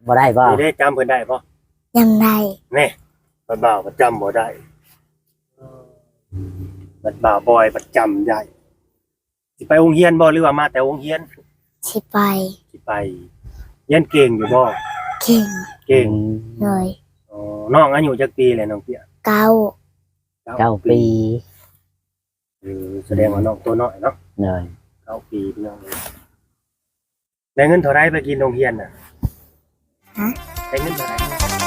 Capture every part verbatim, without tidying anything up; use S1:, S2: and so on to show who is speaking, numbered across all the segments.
S1: บ่ได้บ่
S2: ได้จำเพิ่นได้บ่
S3: จำได้
S2: แน่บัดบ่าวประจำบ่ได้บัดบ่าวบอยประจำได้สิไปโรงเรียนบ่หรือว่ามาแต่โรงเรียน
S3: สิไป
S2: สิไปเรียนเก่งอยู่บ่
S3: เก่ง
S2: เก่ง
S3: เลย
S2: อ๋อน้องอายุจักปีแล้วน้องเตี้ย
S3: เก้า
S1: เก้าปี
S2: เออแสดงว่าน้องตัวน้อยเนาะ
S1: เลย
S2: เก้าปีพี่น้องได้เงินเท่าไรไปกินโรงเรียนน่ะ
S3: ฮะ
S2: ได้เงินเท่าไร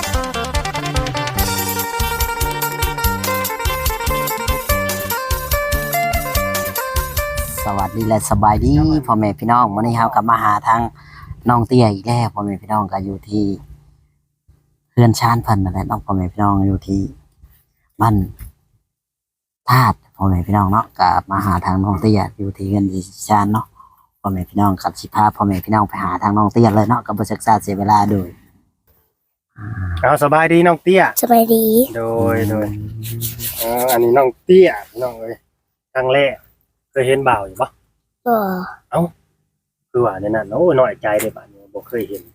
S1: สวัสดีและสบายดีพ่อแม่พี่น้องวันนี้เรากลับมาหาทางน้องเตี้ยอีกแล้วพ่อแม่พี่น้องก็อยู่ที่เพื่อนชานเพิ่นนั่นแหละน้องพ่อแม่พี่น้องอยู่ที่บ้านธาตุพ่อแม่พี่น้องเนาะก็มาหาทางน้องเตี้ยอยู่ที่เพื่อนที่ชานเนาะพ่อแม่พี่น้องกับสิพาพ่อแม่พี่น้องไปหาทางน้องเตี้ยเลยเนาะก็บ่ศึกษาเสียเวลาโดย
S2: เอาสบายดีน้องเตี้ย
S3: สบายดี
S2: โดยโดยเอออันนี้น้องเตี้ยน้องเอ้ยครั้งแรกเคยเห็นบ่าวอยู่ปะ
S3: บ่
S2: เอ้าคือว่าในนั้นโอ้น้อยใจเลยป่ะเนี่ยบ่เคยเห็น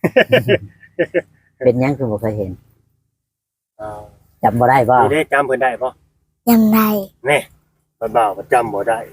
S1: เป็นยังคือบ่เคยเห็น
S2: อ้าว
S1: จำบ่ได้บ่
S2: ได้จำเพิ่นได้บ่
S3: จำได้
S2: แน่บัดบ่าวประจำบ่ได้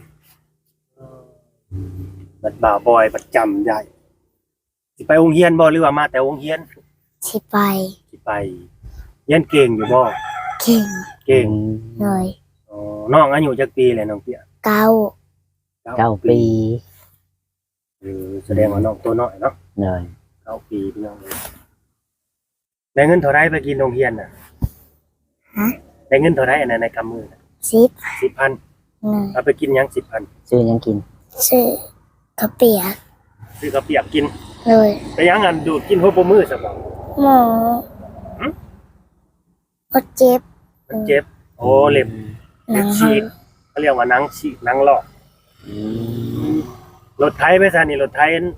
S2: บัดบ่าวบอยประจำได้สิไปโรงเรียนบ่หรือว่ามาแต่โรงเรียน
S3: สิไป
S2: สิไปเรียนเก่งอยู่บ่
S3: เก่ง
S2: เก่ง
S3: เลย
S2: อ๋อน้องอายุจักปีแล้วน้องเตี้ย
S3: เก้า
S1: เก้าปี
S2: เออแสดงว่าน้องตัวน้อยเนาะ
S1: เลย
S2: เก้าปีพี่น้องได้เงินเท่าไรไปกินโรงเรียนน่ะ
S3: ฮะ
S2: ได้เงินเท่าไรอันนั้นในกำมือ
S3: สิบ
S2: สิบพันเอาไปกินยังสิบพัน
S1: ซื้อยังกิน
S3: ซื้อข้าวเปียก
S2: ซื้อข้าวเปียกกิน
S3: เลย
S2: ไปยังอันดูดกินหัวปมือสักบ่
S3: หมอก็เจ็บ
S2: เจ็บโอ้เล็บเล็บฉีกเขาเรียกว่าหนังฉีกหนังลอกรถไถไปซะนี่รถไถ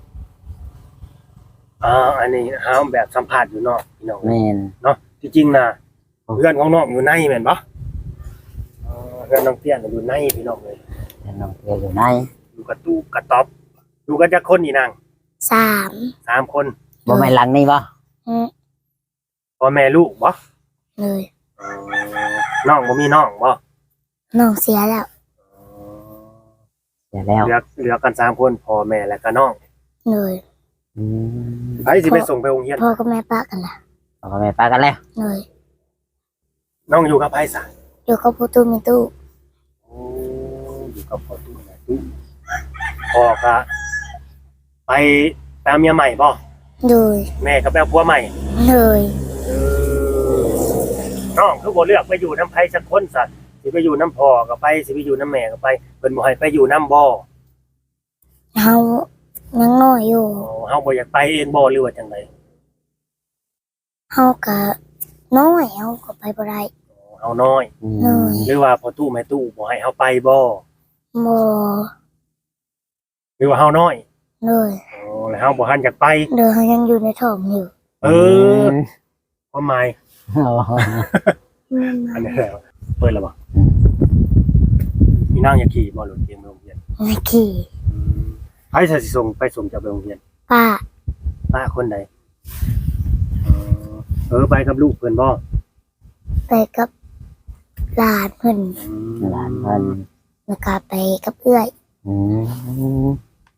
S2: อ่าอันนี้หาแบบสัมภาษณ์อยู่นอกพี่น้อง
S1: แม่น
S2: เนาะที่จริงน่ะเพื่อนของน้องอยู่ในแม่นบ่อ๋อเพื่อนน้องเตี้ยอยู่ในพี่น้องเลย
S1: เพื่อนน้องเตี้ยอยู่ใน
S2: อยู่กับตู้กระต๊อบอยู่กันจักคนนี่นาง
S3: สาม
S2: สามคน
S1: บ่แม่นหลังนี่บ่
S3: อือ
S2: พ่อแม่ลูกบ่
S3: เลย
S2: อ๋อน้องบ่มีน้องบ่
S3: น้องเสียแล้ว
S1: เสียแล้ว
S2: เหลือเหลือกันสามคนพ่อแม่และก็น้อง
S3: เลย
S1: อืม
S2: ไผสิไปส่งไปโรงเรียน
S3: พ่อกับแม่ป้ากันล่ะ
S1: พ่อกับแม่ป้ากันแล้ว
S3: เลย
S2: น้องอยู่กับไผซะ
S3: อยู่กับพ่อตู้แม่ตู้
S2: โอ้อยู่กับพ่อตู้แม่ตู้พ่อก็ไปตามเมียใหม่บ่
S3: เลย
S2: แม่ก็ไปเอาผัวใหม่
S3: เลย
S2: เออน้องคือบ่เลือกไปอยู่นำไผสักคนซะสิไปอยู่นำพ่อก็ไปสิไปอยู่นำแม่ก็ไปเพิ่นบ่ให้ไปอยู่นำบ่
S3: เฮายังน้อยอยู่
S2: อ๋อเฮาบ่อยากไปเองบ่หรือว่าจังได๋
S3: เฮาก็น้อยเฮาก็ไปบ่ได้
S2: เฮาน้อย
S3: น้อย
S2: หรือว่าพ่อตู้แม่ตู้บ่ให้เฮาไปบ่
S3: บ่
S2: หรือว่าเฮาน้อย
S3: เลย
S2: อ๋อแล้วเฮาบ่ทันอยากไป
S3: เด้อเฮายังอยู่ในท้องอยู่
S2: เออความหมายอันนี้แหละเปิดแล้วบ่มีนางอยากขี่บ่รถเกมโรงเรียน
S3: อยากขี่
S2: ไผสิส่งไปส่งจากโรงเรียน
S3: ป้า
S2: ป้าคนใดเออไปกับลูกเพิ่นบ่
S3: ไปกับหลานเพิ่น
S1: หลานเพิ่น
S3: แล้วก็ไปกับเอื้อย
S1: อืม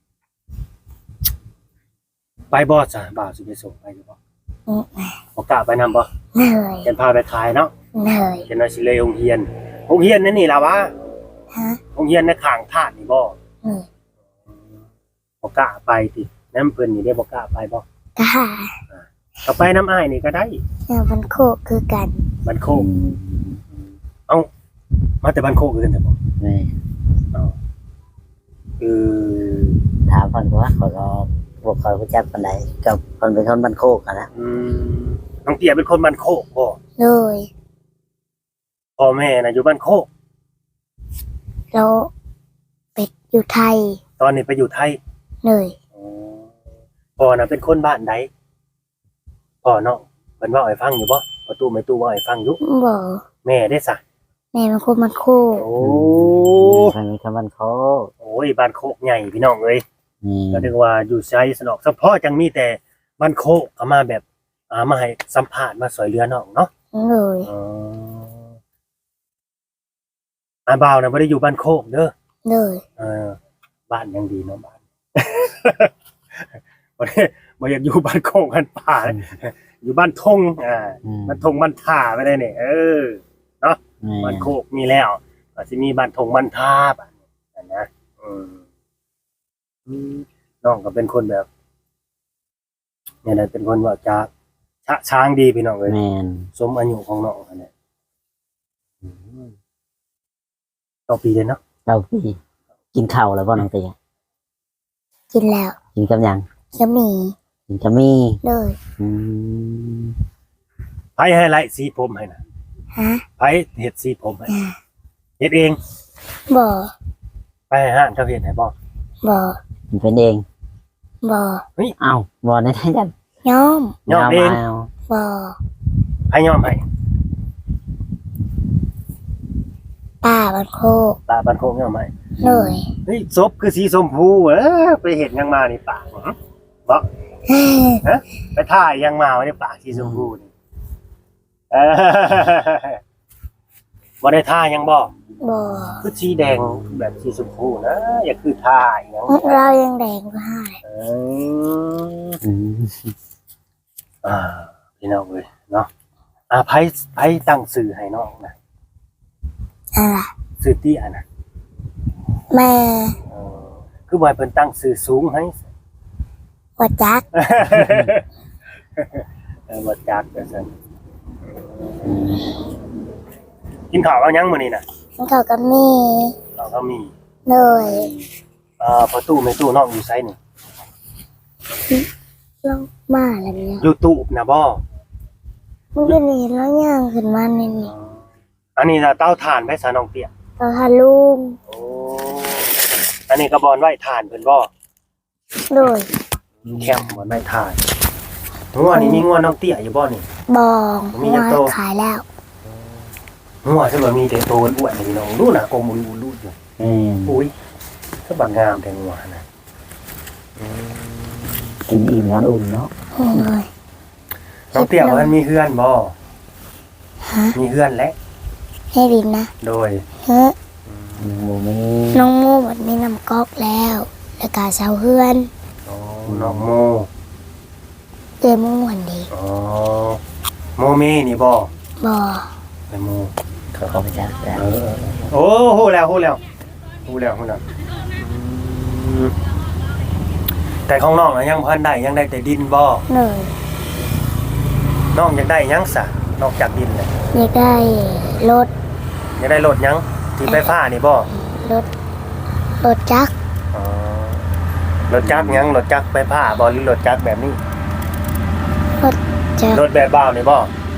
S2: ไปบ่จ้ะบ่าวสิไปส่งไปอยู่บ่
S3: อือ
S2: บ่กล้าไปนำบ่
S3: เหนื่อย
S2: เพิ่นพาไปขายเนาะ
S3: เหนื่อย
S2: เพิ่นว่าสิเลยโรงเรียนโรงเรียนนั่นนี่ล่ะวะ
S3: ฮะ
S2: โรงเรียนในข้างธาตุนี่บ่
S3: อือ
S2: บ่กล้าไปตินำเพิ่นนี่ได้บ่กล้าไปบ่
S3: กล้า
S2: ก็ไปน้ำอ้ายนี่ก็ได้
S3: แนวบันโคกคือกัน
S2: บันโคกเอ้ามาแต่บันโคกคือกันแต่บ่
S1: แม่
S2: เอ้าเออ
S1: ถามเพิ่นว่าเขาก็บ่ค่อยรู้จักปานใดก็เพิ่นเป็นคนบ้านโคกอะนะ
S2: อืมน้องเตี้ยเป็นคนบ้านโคกบ่
S3: เลย
S2: พ่อแม่น่ะอยู่บ้านโคก
S3: แล้วเป็ดอยู่ไทย
S2: ตอนนี้ไปอยู่ไทย
S3: เลย
S2: อ๋อพ่อน่ะเป็นคนบ้านใดพ่อน้องเพิ่นเว้าให้ฟังอยู่บ่ประตูไม่ตู้เว้าให้ฟังอยู่
S3: บ่
S2: แม่ได้ซะ
S3: แม่เป็นคนบ้านโคก
S2: โอ้
S1: เพิ่นเป็นคนบ้านโคก
S2: โอ้ยบ้านโคกใหญ่พี่น้องเอ้ยก็นึกว่าอยู่ไสสนอกเฉพาะจังมีแต่บ้านโคกก็มาแบบอ่ามาให้สัมภาษณ์มาสวยเรือน้องเนาะ
S3: เลย
S2: อ๋ออาบ่าวน่ะบ่ได้อยู่บ้านโคกเด้อ
S3: เลย
S2: เออบ้านยังดีเนาะบ้าน บ่ได้บ่อยากอยู่บ้านโคกบ้านป่าเลยอยู่บ้านทงอ่า
S1: อืม
S2: บ้านทงบ้านท่าไปได้นี่เออเนาะ
S1: แม่
S2: บ้านโคกมีแล้วก็สิมีบ้านทงบ้านท่าบัดนี้นะอืมอืมน้องก็เป็นคนแบบเนี่ยนะเป็นคนว่าจะชะช้างดีพี่น้องเอ้ย
S1: แม่น
S2: สมอายุของน้องอันเนี้ยอืมต่อปีเลยเนาะ
S1: เจ้าพี่กินข้าวแล้วบ่น้องเตีย
S3: กินแล้ว
S1: กินกับหยัง
S3: จะมี
S1: กินกับมี
S3: เลย
S1: อืม
S2: ไผให้ไล่สีผมให้นะ
S3: ฮะ
S2: ไผเฮ็ดสีผมให้เฮ็ดเอง
S3: บ่
S2: ไปให้ห้างเขาเฮ็ดให้บ่
S3: บ่
S1: มันเป็นเอง
S3: บ่
S1: เอ้าบ่ได้ได้กัน
S3: ย้อม
S2: ย้อมเอง
S1: า
S3: บ่
S2: ให้ย้อมให้
S3: ป้าบันโคก
S2: ตาบันโคงย้อมให้
S3: เลย
S2: เฮ้ยศพคือสีชมพูเออไปเห็นยังมานี่ปากหรอบ่ ฮะไปถ่ายยังมาไว้ในปากสีชมพูนี่เออบ่ได้ท่ายังบ่
S3: บ่
S2: คือสีแดงแบบสีชมพูนะอย่าคือท่าอีหยัง
S3: เรายังแดงกว่าให้
S2: เออ
S1: อืม
S2: อ่าพี่น้องเว้ยเนาะอ่าไผไผตั้งชื่อให้น้องนะ
S3: อะไร
S2: ชื่อเตี้ยนะ
S3: แม่
S2: เออคือบ่ให้เพิ่นตั้งชื่อสูงให้
S3: ว่าจัก
S2: เออบ่จักว่าซั่นกินข้าวเอายังมื้อนี้น่ะ
S3: เขาก็มี
S2: เราก็มี
S3: เลย
S2: เอ่อประตูในตู้น้องอยู่ไสนี่
S3: ลงมาแล้วเนี่ย
S2: อยู่ตู้นะบ่
S3: มันก็นี่แล้วย่างขึ้นมาในนี่
S2: อันนี้น่ะเตาถ่านไว้ซะน้องเตี้ย
S3: เราทาลุง
S2: โอ้อันนี้ก็บอนไว้ถ่านเพิ่นบ่
S3: เลย
S2: แคมบอนไว้ถ่านงัวนี่มีงัวน้องเตี้ยอยู่บ่นี่
S3: บอง
S2: มีน้ำโต
S3: มาขายแล้ว
S2: งัวซึ่งว่ามีแต่โตอ้วนๆนี่น้องดูน่ะกลมอูๆอยู่
S1: แม่น
S2: อุ้ยก็บักงามแต่งัวนะ
S1: กินอิ่มนอนอุ่นเนาะ
S3: เลย
S2: น้องเตี้ยว่ามันมีเฮือนบ่
S3: ฮะ
S2: มีเฮือนและ
S3: ให้ดินนะ
S2: โดย
S3: เฮ้ย
S1: บ่มี
S3: น้องโม่หมดมีน้ำก๊อกแล้วแล้วก็เสาเฮือน
S2: อ๋อน้องโม
S3: เต็มม่วนดี
S2: อ๋อโมเมนี่บ่
S3: บ่
S2: ไปโม
S1: เขาเข้าไปจักแต่
S2: เออโอ้โหแล้วโหแล้วโหแล้วโหแล้วอืมแต่ของน้องน่ะยังพันได้ยังได้แต่ดินบ่
S3: เลย
S2: น้องอยากได้หยังซะนอกจากดินเลย
S3: อยากได้รถ
S2: อยากได้รถหยังที่ไฟฟ้านี่บ่
S3: รถรถจักร
S2: อ๋อรถจักรหยังรถจักรไฟฟ้าบ่หรือรถจักรแบบนี้
S3: รถจัก
S2: ร
S3: ร
S2: ถแบบบ้าวนี่บ่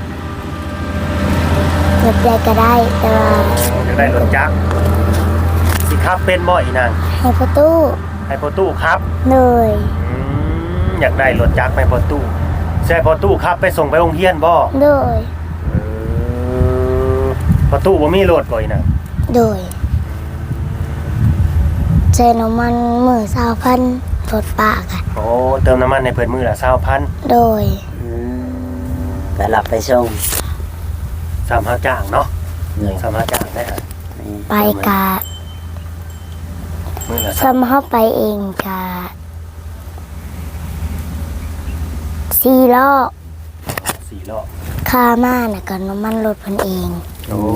S3: รถใดก็ได้แต่ว่า
S2: อยากได้รถจักรสิขับเป็นบ่อีนาง
S3: ให้ประตู
S2: ให้พ่อตู้ครับ
S3: เลย
S2: อืมอยากได้รถจักรให้พ่อตู้ใช่พ่อตู้ครับไปส่งไปโรงเรียนบ่
S3: เลย
S2: เออพ่อตู้บ่มีรถบ่อีนาง
S3: โดยใช้น้ำมันมือสาวพันรถปากอะ
S2: โอ้เติมน้ำมันให้เพิ่นมื้อละยี่สิบพัน
S3: โดย
S1: ไปรับไปส่ง
S2: สามห้าจ้างเนาะ
S1: เลย
S2: สามห้าจ้างได้ฮะ
S3: ไปกะ
S2: มื้อละ
S3: ซ้ำเข้าไปเองกะสี่ล้อ
S2: สี่รอบ
S3: ค่ามาน่ะก็น้ำมันรถเพันเอง
S2: โอ้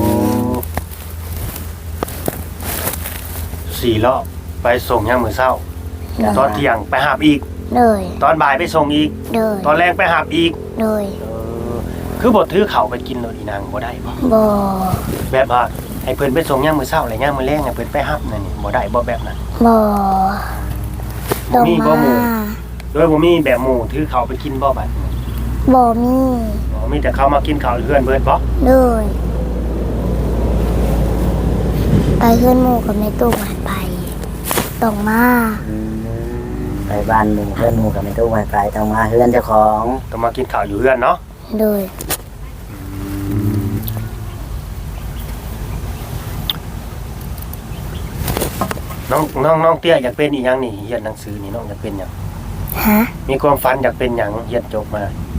S2: สี่รอบไปส่งยามมื้อเช้า
S3: เลย
S2: ตอนเที่ยงไปหาบอีก
S3: เลย
S2: ตอนบ่ายไปส่งอีก
S3: เลย
S2: ตอนแรงไปหาบอีก
S3: เลย
S2: เออคือบ่ถือข้าวไปกินโดดอีนางบ่ได้บ่
S3: บ่
S2: แบบว่าให้เพิ่นไปส่งยามมื้อเช้าและยามมื้อแลงให้เพิ่นไปรับนั่นนี่บ่ได้บ่แบบนั้น
S3: บ่ต้อง
S2: มีบ่
S3: มา
S2: หมู่โดยบ่มีแบบหมู่ถือข้าวไปกินบ่บัดนี้
S3: บ่มี
S2: อ๋อมีแต่เขามากินข้าวเพื่อนเบิดบ่
S3: เลยไปขึ้นหมู่กับในตู้หวานไปต้องมา
S1: ไปบ้านหมู่เพื่อนหมู่กับไม่ตู้ไวไฟต้องมาเฮือนเจ้าของ
S2: ต้องมากินข้าวอยู่เพื่อนเนาะ
S3: เลย
S2: น้องน้องน้องเตี้ยอยากเป็นอีหยังนี่เรียนหนังสือนี่น้องอยากเป็นหยัง
S3: ฮะ
S2: มีความฝันอยากเป็นหยังเรียนจบมา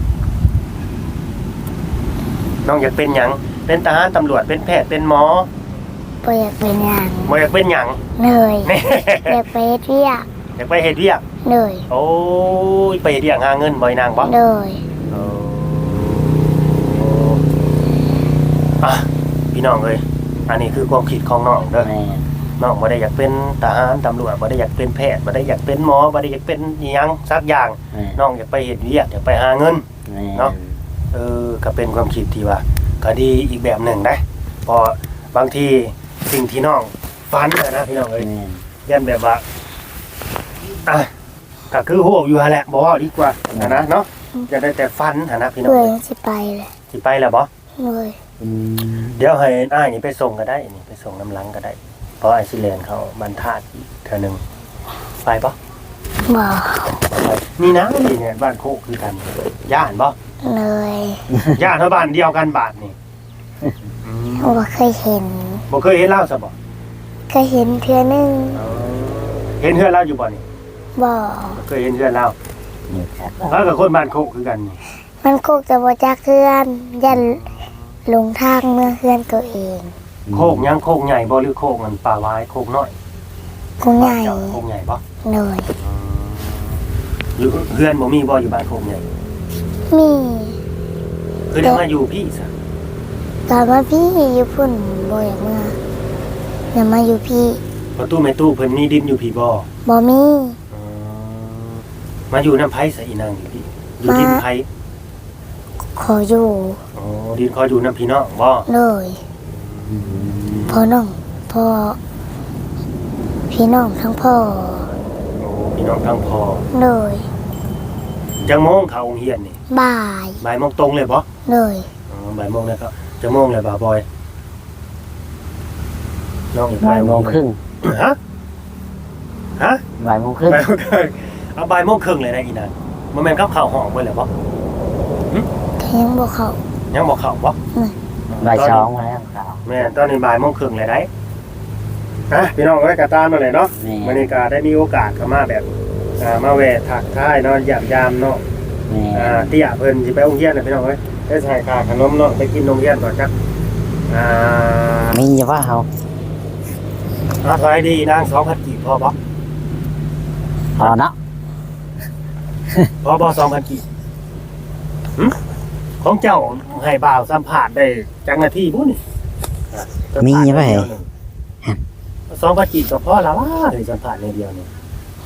S2: น้องอยากเป็นหยังเป็นทหารตำรวจเป็นแพทย์เป็นหมอ
S3: บ่อยากเป็นหยัง
S2: บ่อยากเป็นหยัง
S3: เหนื่อย
S2: แน่
S3: อยากไปเฮ็ดเวียก
S2: อยากไปเฮ็ดเวียก
S3: เหนื่อย
S2: โอ้ยไปเฮ็ดเวียกหาเงินบ่อยนางบ่
S3: เหนื่อย
S2: โอ้อ่ะพี่น้องเอ้ยอันนี้คือความคิดของน้องเด้อ
S1: แม่น
S2: น้องบ่ได้อยากเป็นทหารตำรวจบ่ได้อยากเป็นแพทย์บ่ได้อยากเป็นหมอบ่ได้อยากเป็นอิหยังสักอย่าง
S1: แม่น
S2: น้องอยากไปเฮ็ดเวียกอยากไปหาเงิน
S1: แม่น
S2: เนาะ เออก็เป็นความคิดที่ว่าก็ดีอีกแบบหนึ่งนะเพอบางทีสิ่งที่น้องฝันนะนะพี่น้องเอ้ย
S1: แม่น
S2: ยันแบบว่าอ่ะก็คือโหอยู่หั่นแหละบ่ว่าดีกว่านะนะเนาะจะได้แต่ฝันหั่นนะพี่น้อง
S3: เบื่อ
S2: เอ้ย
S3: สิไปเลย
S2: สิไปแล้วบ่
S3: เหนื่อย
S1: อืม
S2: เดี๋ยวให้อ้ายนี่ไปส่งก็ได้นี่ไปส่งน้ำหลังก็ได้เพราะไอ้สิเลนเขาบรรทัดอีกเทื่อนึงไปบ่
S3: บ่
S2: ไปนี่นะนี่เนี่ยบ้านโคกคือกันย่านบ่
S3: เหนื่อย
S2: ย่านเท่าบ้านเดียวกันบ้านนี่อืม
S3: บ่เคยเห็น
S2: บ่เคยเห็นเล่าซะบ่
S3: เคยเห็นเทื่อนึง
S2: เห็นเฮือนเล่าอยู่บ่นี่
S3: บ่
S2: เคยเห็นเฮือนเล่า
S1: นี่ครับ
S2: แล้วกับคนบ้านโคกคือกันนี่
S3: มันโคกจะบ่จักเทื่อนยันหลงทางเมื่อเฮือนตัวเอง
S2: โคกยังโคกใหญ่บ่หรือโคกมันป่าไว้โคกน้อย
S3: กูใหญ่
S2: เจ้าโคกใหญ่บ่
S3: เหนื่อย
S2: หรือเฮือนบ่มีบ่อยู่บ้านโคกใหญ่
S3: มี
S2: คือได้มาอยู่พี่ซะ
S3: ตอนว่าพี่อยู่พุ่นบ่อยากเมื่ออย่ามาอยู่พี่
S2: ประตูแม่ตู้เพิ่นมีดินอยู่พี่บ่
S3: บ่มี
S2: อืมมาอยู่น้ำไผซะอีนางอยู่พี่อยู่ดินไผ
S3: ขออยู่
S2: อ๋อดินคอยอยู่น้ำพี่น้องบ่
S3: เลย
S1: อืม
S3: พ่อน้องพ่อพี่น้องทั้งพ่อ
S2: โอ้พี่น้องทั้งพอ
S3: เลย
S2: จังโมงเข้าโรงเรียนนี่
S3: บ่าย
S2: บ่ายโมงตรงเลยบ่
S3: เลย
S2: อ๋อบ่ายโมงแล้วก็จังโมงเลยบ่าวบอยน้องอีก
S1: บ่ายโมงครึ่ง
S2: ฮะฮะ
S1: บ่ายโมงครึ่ง
S2: บ่ายโมงครึ่งเอาบ่ายโมงครึ่งเลยนะอีนางบ่แม่นกับข้าวห้องไว้แล้วบ่
S3: แทงบ่เขา
S2: ยังบ่เข้าบ่
S1: บ่ายสองมาแล้วครับ
S2: แม่นตอนนี้บ่ายโมงครึ่งเลยได้ฮะพี่น้องเอ้ยก็ตามมาเลยเนาะ
S1: แม่
S2: วันนี้ก็ได้มีโอกาสเข้ามาแบบอ่ามาแวะทักทายเนาะยามยามเนาะ
S1: แม่
S2: อ่าเตี้ยเพิ่นสิไปโรงเรียนน่ะพี่น้องเอ้ยได้ใส่ค่าขนมเนาะไปกินโรงเรียนก่อนจักอ่า
S1: มีอยู่ว่าเฮา
S2: อ่าขายดีนางสองพันกีบพอบ่
S1: พอเนาะ
S2: พอบ่สองพันกีบหึของเจ้าให้บ่าวสัมภาษณ์ได้จักนาทีบุนี่อ่ะ
S1: มีอยู่ว่าเฮ้ย
S2: สองพันกีบก็พอแล้วว่าให้สัมภาษณ์ในเดียวนี่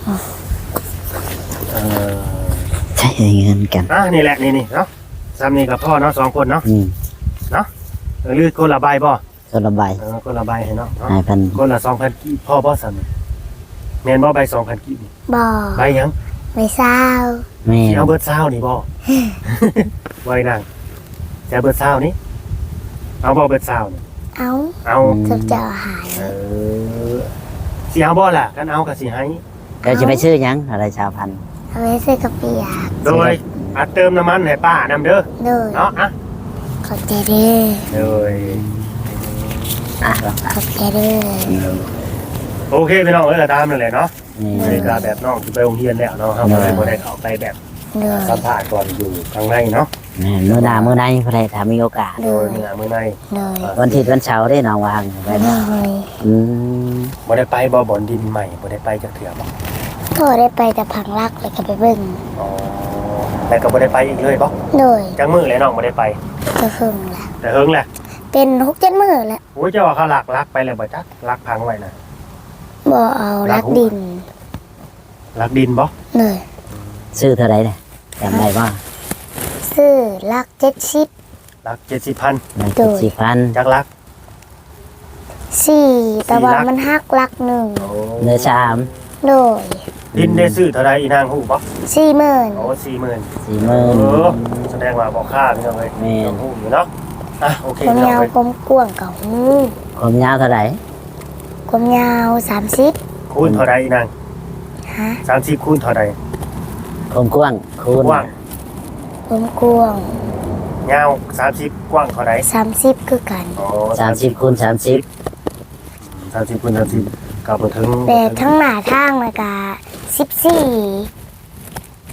S2: เอ่อ
S1: ใช้เงินกัน
S2: อ่ะนี่แหละนี่นี่เนาะซ้ำนี่กับพ่อเนาะสองคนเนาะ
S1: อืม
S2: เออหรือคนละใบบ่
S1: คนละใบ
S2: เออคนละใบให้เนาะเนาะ
S1: นายพัน
S2: คนละสองพันกีบพ่อบ่ซ้ำนี่แม่นบ่ใบสองพันกีบนี่
S3: บ่
S2: ใบหยัง
S3: ไม่เศร้า
S1: แม่
S2: สิเอาเบิดเช้านี่บ่ ไว้นั่งจะเอาเบิดเช้านี่เอาบ่เบิดเช้านี่
S3: เอา
S2: เอา
S3: จะจะหาย
S2: เออสิเอาบ่ล่ะกันเอาก็สิให้
S1: ก็จะไปซื้อหยังอะไรชาวพันธุ์
S3: เอาไว้ซื้อกระเปียก
S2: โดยอัดเติมน้ำมันให้ป้านำเด้อ
S3: เลย
S2: เนาะอ่ะ
S3: ขอบใจเด้อ
S2: โดย
S1: อ่ะ
S3: ขอบใจเด้อ
S2: โอเคพี่น้องเอ้ยก็ตามนั่นแหละเนาะ
S1: นี่
S2: บรรยากาศแบบน้องที่ไปโรงเรียนแล้วเนาะครับบ่ได้บ่ได้เข้าไปแบบ
S3: เลย
S2: สัมภาษณ์ก่อนอยู่ข้างในเนาะ
S1: แม่มื้อหน้ามื้อในเพื่อถ้ามีโอกาส
S2: โดยเมื่อมื้อใน
S3: เลย
S1: วันอาทิตย์วันเสาร์ได้น้องวางไป
S3: เล
S1: บ่
S3: ย
S1: อืม
S2: บ่ได้ไปบ่บ่อนดินใหม่บ่ได้ไปจักเทื่อบ่
S3: ก็ได้ไปแต่พังรักเลยก็ไปเบิ่ง
S2: อ๋อแล้วก็บ่ได้ไปอีกเลยบ่
S3: เลย
S2: จังมื้อเลยน้องบ่ได้ไป
S3: ก็ครึ่งละ
S2: แต่เฮิงแหละ
S3: เป็นหกเจ็ดมื้อแล้ว
S2: โอ้ยเจ้าว่าเขาลักลักไปแล้วบ่จักลักพังไว้น่ะ
S3: บ่เอารักดิน
S2: ลักดินบ่
S3: เลย
S1: ซื้อเท่าไหร่เนี่ยจำได้บ่
S3: ซื้อรักเจ็ดสิบ
S2: ลักเจ็ดสิบพัน
S1: ได้เจ็ดสิบพัน
S2: จักลัก
S3: สี่แต่ว่า
S2: สี่ลัก
S3: มันหักลักหนึ่ง
S2: โอ้
S1: เนื้อสาม
S3: เลย
S2: ดินได้ซื้อเท่าใดอีนางฮู้บ่
S3: สี่หมื่น
S2: โอ้สี่หมื่น
S1: สี่หมื่น
S2: เออแสดงว่าบ่ค่าพี่น้องเอ้ย
S1: แม่น
S2: ต้องฮู้อยู่เนาะอ่ะโอเค
S3: ความ
S2: พี่น้อง
S3: ยาว
S2: เอ้ย
S3: ความกว้างกับหู
S1: ความยาวเท่าไหร่
S3: ความยาวสามสิบ
S2: คูณเท่าใดอีนาง
S3: ฮะ
S2: สามสิบคูณเท่าใด
S1: ความกว้างคูณ
S2: กว้าง
S3: ความกว้าง
S2: ยาวสามสิบกว้างเท่าใด
S3: สามสิบคือกัน
S2: อ๋อ
S1: สามสิบคูณสามสิบ
S2: สามสิบคูณสามสิบก็บ่ถึง
S3: แต่ทั้งหน้าทางเลยกะสิบสี่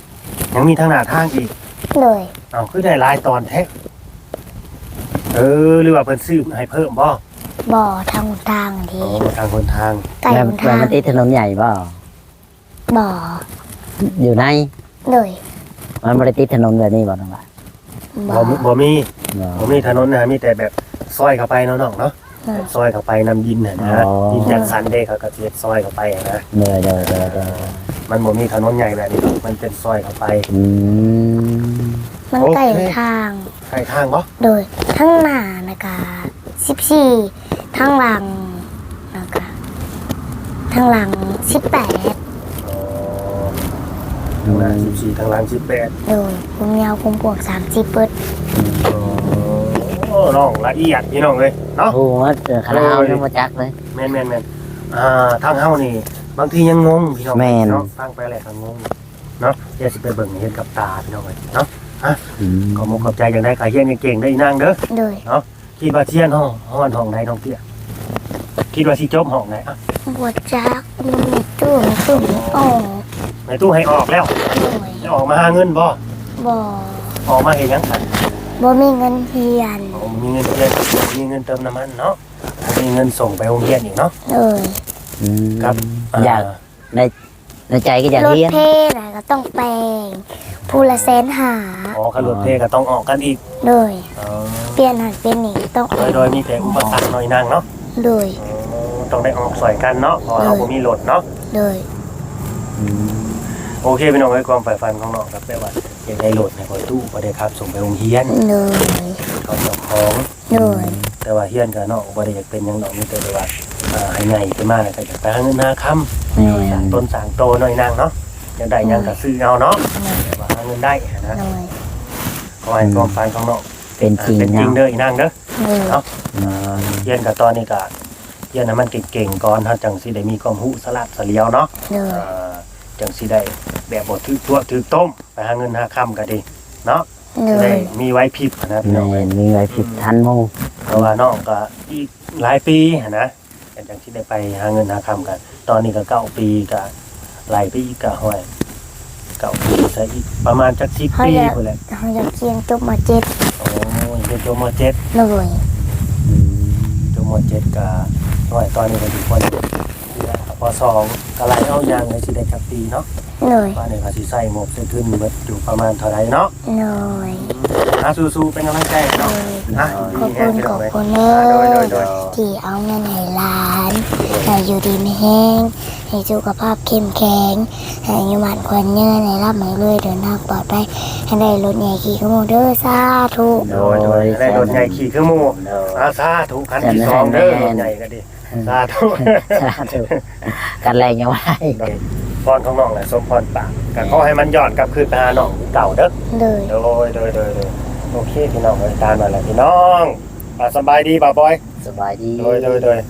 S2: ยังมีทางหน้าทางอีก
S3: เลย
S2: เอาคือได้หลายตอนแท้เออหรือว่าเพิ่นซื้อให้เพิ่มบ่
S3: บ่อทางหนทางที
S2: โอ้ทางคนทาง
S3: ไก่
S1: แล้ว
S3: หน
S1: แล้ว
S3: ทาง
S1: มันติดถนนใหญ่เปล่า
S3: บ่อ
S1: อยู่ใน
S3: เลย
S1: มันไม่ได้ติดถนนแบบนี้บ่น้องล่ะ
S3: บ่
S2: บ่
S3: อ
S2: มีบ่มี
S1: บ่
S2: บ่มีถนนนะมีแต่แบบซอยเข้าไปเนาะน้องเนาะ
S3: เออ
S2: ซอยเข้าไปนำดินน่ะนะดินจัดสรรเด้เขาก็สิเฮ็ดซอยเข้าไปอะนะ
S1: เด้อเด้อเด้อเด้อ
S2: มันบ่มีถนนใหญ่แบบนี้หรอกมันเป็นซอยเข้าไป
S1: อืม
S3: มันไก่หนทาง
S2: ใกล้ทางบ่
S3: โดยทั้งหน้านะคะสิบสี่ทั้งหลังนะคะทั้งหลังสิบแปด
S2: อ๋อทางหน้าสิบสี่ทางหลังสิบแปด
S3: โดยผมยาวผมปวกสามสิบเปิด
S2: โอ้น้องละเอียดพี่น้องเลยเนาะ
S1: โอ้โหเจอคาราเอายังบ่จักเลย
S2: แม่นแม่นแม่นอ่าทางเฮานี่ บางทียังงงพี่น้อง
S1: แม่น
S2: เนาะฟังไปแหละก็งงเนาะเดี๋ยวสิไปเบิ่งเห็นกับตาพี่น้องเลยเนาะ
S1: อืม
S2: ขอมกขอบใจอย่างได้ขายเฮียนเก่งๆได้อีนางเด้อ
S3: โดย
S2: คิดว่าเทียนห้องห้องห้องใดน้องเตี้ยคิดว่าสิจบห้องไหนอ่ะ
S3: บวจักมันมีตู้มีตู้มีอ่อง
S2: ในตู้ให้ออกแล้ว
S3: โดย
S2: จะออกมาหาเงินบ่
S3: บ่อ
S2: ออกมาเห็นยังกัน
S3: บ่มีเงินเฮียน
S2: อ๋อมีเงินเดือนมีเงินเติมน้ำมันเนาะมีเงินส่งไปโรงเรียนอีกเนาะ
S3: โดย
S1: อืม
S2: ครับ
S1: อยากในในใจก็อยาก
S3: รถ
S1: เรียน
S3: เพน่ะก็ต้องแปลงผู้ละแสนหา
S2: อ๋อขับรถเพก็ต้องออกกันอีก
S3: โดย
S2: อ๋อ
S3: เปลี่ยนหันเป็นนี่ต้องอ
S2: โด
S3: อย ก
S2: โดยมีแต่อุปสรรคหน่อยนางเนาะ
S3: โดย
S2: อ๋อต้องได้ออกสอยกันเนาะเพราะเราบ่มีรถเนาะ
S3: โดย
S1: อืม
S2: โอเคพี่น้องไว้ความใฝ่ฝันของน้องครับแปลว่าอยากได้รถในคอยตู้บ่ได้ครับส่งไปโรงเรียน
S3: โดย
S2: เขาเจ้าของ
S3: โดย
S2: แต่ว่าเฮียนกับน้องบ่ได้อยากเป็นหยังดอกมีแต่ว่าอ่าให้ใหญ่ขึ้นมาแล้วก็อยากไปหาเงินหาค่ำ
S1: แม่
S2: สร้าง
S1: น
S2: ต้นสร้างโตหน่อยนางเนาะอยากได้หยังก็ซื้อเอาเนาะแต่ว่าหาเงินได้นะ
S3: โดย
S2: ขอให้ความฝันของน้อง
S1: เป็นจริง
S2: เป็นจริง
S1: เนาะ
S2: เด้ออีนางเด้อ
S3: โดย
S1: อืม
S2: เฮียนกับตอนนี้ก็เฮียนให้มันเก่งๆก่อนเฮาจังสิได้มีความรู้สลัดเสลียวเนาะ
S3: โดย
S2: อ่าจังสิได้แบบบ่ถือตัวถือต้มไปหาเงินหาค่ำก็ดีเนาะ
S3: โด
S2: จะได้
S3: ย
S2: มีไว้พริบนะพี่น้อง
S1: แม่
S2: เอ้ย
S1: นมีไว้ผิดทันหมู่
S2: เพราะว่าน้องก็อีกหลายปีหั้นนะแต่จังที่ได้ไปหาเงินหาคำกัน ตอนนี้ก็เก้าปีก็หลายปีก็ห้อยเก้าปีใช่อีกประมาณจักสิบปีพุ่นแหละ
S3: เขาจะเขียนจบมาเจ็ด
S2: โอ้ยเป็นจบมเจ็ด
S3: โดย
S1: อืม
S2: จบมเจ็ดก็ห้อยตอนนี้ก็ถึงคนพอสองก็ไล่เอายางเลยสิได้จักปีเนาะ
S3: โดย
S2: ว่าเนี่ยก็สิใส่หมวกใส่ขึ้นเบิดอยู่ประมาณเท่าไหร่เนาะ
S3: โดย
S2: อ่ะสู้ๆเป็นกำลังใจให้
S3: โด
S2: เนาะ
S3: ย
S2: อ่ะ
S3: ขอบคุณขอบคุณเน
S2: โดยโด
S3: อย
S2: โดย
S3: ที่เอาเงินให้หลานให้อยู่ดีไม่แห้งให้สุขภาพเข้มแข็งให้อายุมันควันเงินให้รับไม่เรื่อยเดินทางปลอดภัยให้ได้รถใหญ่ขี่ขโมยเด้อสาธุ
S2: โดยโดยได้รถใหญ่ขี่คือหมู่
S1: โดย
S2: อาสาถูกคันที่สองเด้อรถใหญ่ก็ดีสาธุ
S1: สาธุกันแรงยังไง
S2: พรของน้องแหละสมพรปากก็ขอให้มันย้อนกลับคืนไปหาน้องเก่าเด้อ
S3: โดย
S2: โดยโดยโดยโดยโอเคพี่น้องเลยตามมาแล้วพี่น้องอ่ะสบายดีบ่าวบอย
S1: สบายดี
S2: โดยโดยโดย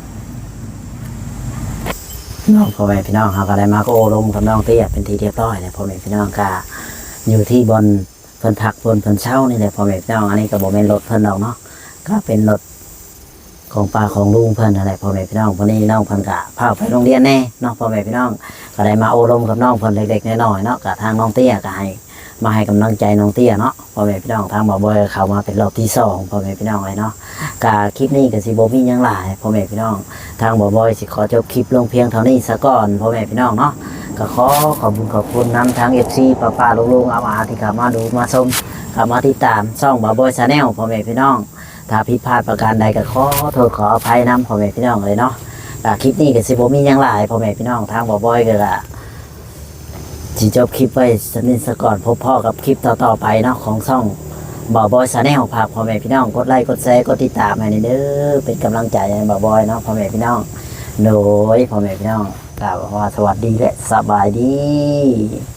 S1: น้องพ่อแม่พี่น้องเขาก็ได้มาก็โอลมกับน้องเตี้ยเป็นทีเรียบร้อยเลยพ่อแม่พี่น้องก็อยู่ที่บนเพิ่นพักบนเพิ่นเช่านี่แหละพ่อแม่พี่น้องอันนี้ก็บ่แม่นรถเพิ่นดอกเนาะก็เป็นรถของป้าของลุงเพิ่นอะไรพ่อแม่พี่น้องวันนี้น้องเพิ่นก็พาไปโรงเรียนแน่เนาะพ่อแม่พี่น้องก็ได้มาโอลมกับน้องเพิ่นเล็กๆน้อยๆเนาะก็ทางน้องเตี้ยก็ให้มาให้กำลังใจน้องเตี้ยเนาะพ่อแม่พี่น้องทางบ่าวบอยก็เข้ามาเป็นรอบที่สองพ่อแม่พี่น้องเลยเนาะก็คลิปนี้ก็สิบ่มีหยังหลายพ่อแม่พี่น้อง ทางบ่าวบอยสิขอจบคลิปลงเพียงเท่านี้ซะก่อนพ่อแม่พี่น้องเนาะก็ขอขอบคุณขอบคุณนำทาง เอฟ ซี ป้าป้าลุงลุงอาอาที่เข้ามาดูมาชมเข้ามาติดตามช่องบ่าวบอยชาแนลพ่อแม่พี่น้อง ถ้าผิดพลาดประการใดก็ขอโทษขออภัยนำพ่อแม่พี่น้องเลยเนาะก็คลิปนี้ก็สิบ่มีหยังหลายพ่อแม่พี่น้องทางบ่าวบอยก็ละสิจบคลิปไว้สักนิดซะก่อนพบพ่อกับคลิปต่อๆไปเนาะของช่องบ่าวบอยชาแนลฝากพ่อแม่พี่น้องกดไลค์กดแชร์กดติดตามให้เด้อเป็นกำลังใจให้บ่าวบอยเนาะพ่อแม่พี่น้อง โดยพ่อแม่พี่น้องกล่าวว่าสวัสดีและสบายดี